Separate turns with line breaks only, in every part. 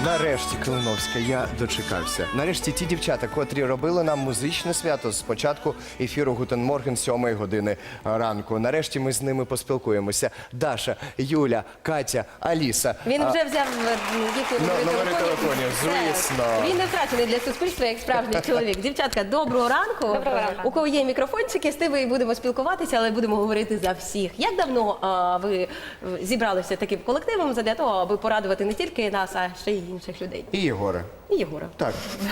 Нарешті, Калиновська, я дочекався. Нарешті ті дівчата, котрі робили нам музичне свято з початку ефіру «Гутен Морген» 7 години ранку. Нарешті ми з ними поспілкуємося. Даша, Юля, Катя, Аліса.
Він вже взяв їхні
номери телефонів, звісно.
Він не втрачений для суспільства, як справжній чоловік. Дівчатка, доброго ранку.
Доброго ранку.
У кого є мікрофончики, з тими і будемо спілкуватися, але будемо говорити за всіх. Як давно ви зібралися таким колективом для того, аби порадувати не тільки нас, а ще й інших людей?
І Єгора.
І Єгора.
Так.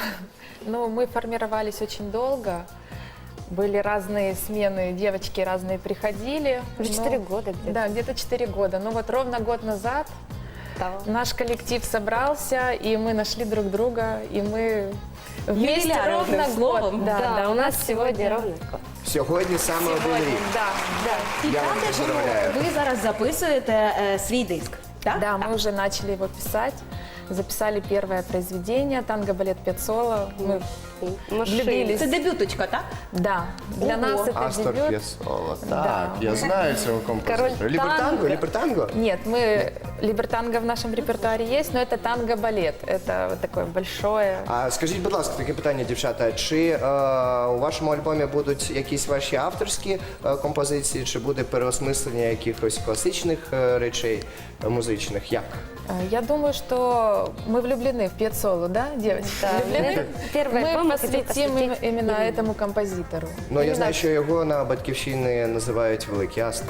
Ну, мы формировались очень долго. Были разные смены, девочки разные приходили.
Уже 4 года где-то.
Да, где-то 4 года. Ну вот ровно год назад наш коллектив собрался, и мы нашли друг друга, и мы вместе
Юбиляр,
ровно
одним словом.
год.
Да, у нас сегодня ровно год.
Сьогодні саме один рік.
Да.
І
Я вам
правда, що
поздравляю.
ви зараз записуєте свій диск, так?
Да, мы уже начали его писать. Записали первое произведение «Танго-балет Пеццола». Мы влюбились.
Це дебюточка, так?
Да, для
Ого.
нас это
Астор
дебют.
П'єсола.
Да.
Так, я знаю цього композитора.
Король
Лібертанго?
танго.
Лібертанго?
Нет, мы либертанго в нашем репертуаре есть, но это танго-балет. Это вот такое большое.
А скажіть, будь ласка, таке питання, дівчата. Чи у вашому альбомі будуть якісь ваші авторські композиції, чи буде переосмислення якихось класичних речей музичних? Як?
Я думаю, что мы влюблены в Пьеццолу, да, девочки?
Да,
Влюблены?
это первый альбом
Мы
мы хотим
посвятим
посвятить
именно этому композитору.
Ну, я
Именно
знаю, що його на Батьківщині називають Великий Астор.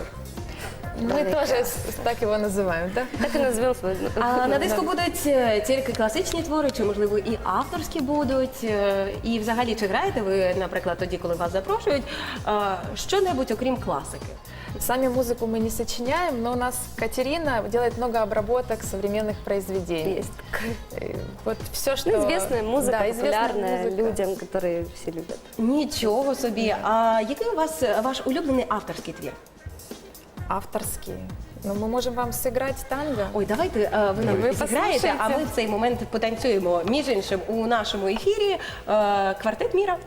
Мы тоже так его называем, да?
Так и назовем свой.
А на диску будуть тільки класичні твори, чи, можливо, і авторські будуть? І взагалі, чи граєте ви, наприклад, тоді, коли вас запрошують, що-небудь окрім класики?
Сами музыку мы не сочиняем, но у нас Катерина делает много обработок современных произведений.
Есть.
Вот все, что...
Ну, известная музыка,
Да, известная
популярная
музыка.
людям, которые все любят.
Нічого собі. А який у вас ваш улюблений авторський твір?
Авторские. Но мы можем вам сыграть танго.
Ой, давайте ви нам
Ви
зіграєте, а ми
послухайте.
в цей момент потанцюємо. Між іншим, у нашому ефірі квартет Міра.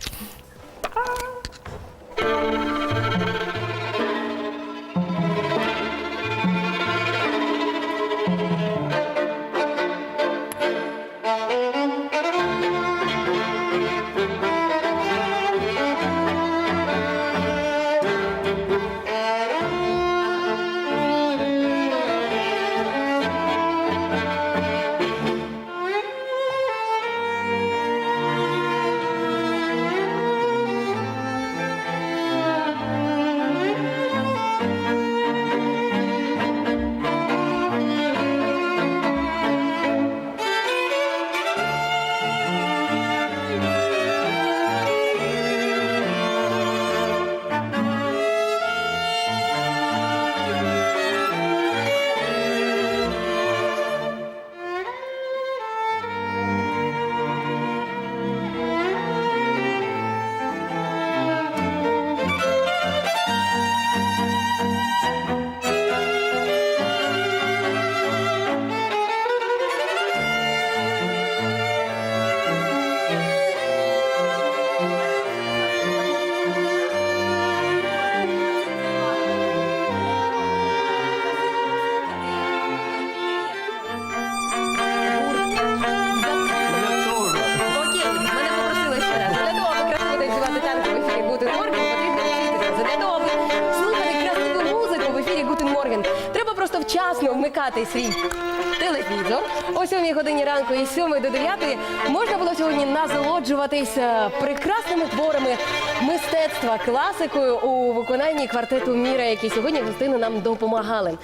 Окей, мене попросили ще раз. Для того, аби красиво танцювати танго в ефірі Гутен Морген, потрібно вчитися. Для того, аби слухати красиву музику в ефірі Гутен Морген, треба просто вчасно вмикати свій телевізор. О 7 годині ранку і з 7 до 9 можна було сьогодні насолоджуватися прекрасними творами мистецтва, класикою у виконанні квартету Міра, які сьогодні гостину нам допомагали.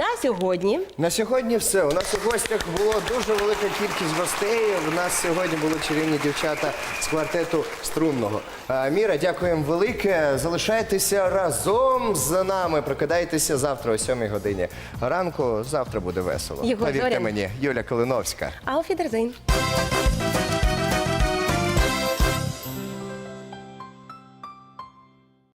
На сьогодні все. У нас у гостях було дуже велика кількість гостей. У нас сьогодні були чарівні дівчата з квартету струнного. Міра, дякуємо велике. Залишайтеся разом з нами. Прокидайтеся завтра о 7 годині ранку. Завтра буде весело.
Єгор
Повірте
Зорін.
мені, Юля Калиновська.
Auf Wiedersehen.